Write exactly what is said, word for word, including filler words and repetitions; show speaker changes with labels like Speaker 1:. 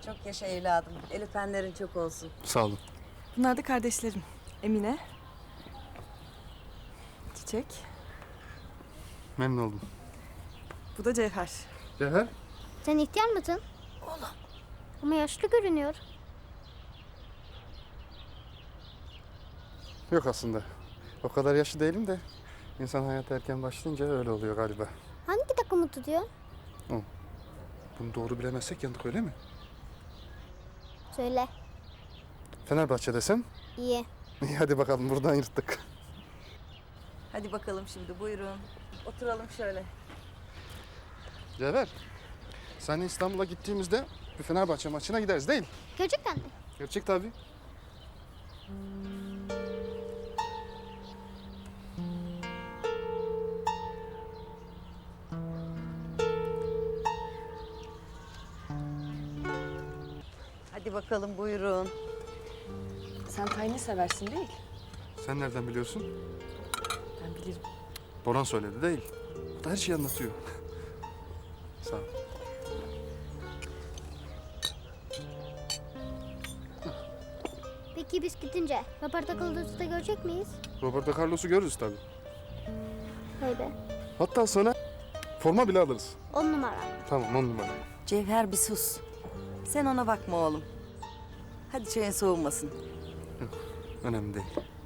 Speaker 1: Çok yaşa evladım. El öpenlerin çok olsun.
Speaker 2: Sağ olun.
Speaker 3: Bunlar da kardeşlerim. Emine. Çiçek.
Speaker 2: Memnun oldum.
Speaker 3: Bu da Cevher.
Speaker 2: Cevher.
Speaker 4: Sen ihtiyar mısın? Oğlum. Ama yaşlı görünüyor.
Speaker 2: Yok aslında. O kadar yaşlı değilim de insan hayata erken başlayınca öyle oluyor galiba.
Speaker 4: Hangi takımı tutuyor?
Speaker 2: Bunu doğru bilemezsek yandık öyle mi?
Speaker 4: Söyle.
Speaker 2: Fenerbahçe desem?
Speaker 4: İyi.
Speaker 2: İyi hadi bakalım buradan yırttık.
Speaker 1: Hadi bakalım şimdi buyurun. Oturalım şöyle.
Speaker 2: Cevher. Seninle İstanbul'a gittiğimizde bir Fenerbahçe maçına gideriz değil?
Speaker 4: Gerçekten mi?
Speaker 2: Gerçek tabii.
Speaker 1: Hadi bakalım buyurun.
Speaker 3: Sen tayini seversin değil?
Speaker 2: Sen nereden biliyorsun?
Speaker 3: Ben bilirim.
Speaker 2: Boran söyledi değil. O da her şeyi anlatıyor. Sağ ol.
Speaker 4: Peki biz gidince Roberto Carlos'u da görecek miyiz?
Speaker 2: Roberto Carlos'u görürüz tabii.
Speaker 4: Vay be.
Speaker 2: Hatta sana forma bile alırız.
Speaker 4: On numara.
Speaker 2: Tamam on numara.
Speaker 1: Cevher bir sus. Sen ona bakma oğlum. Hadi çayın soğumasın.
Speaker 2: Önemli değil.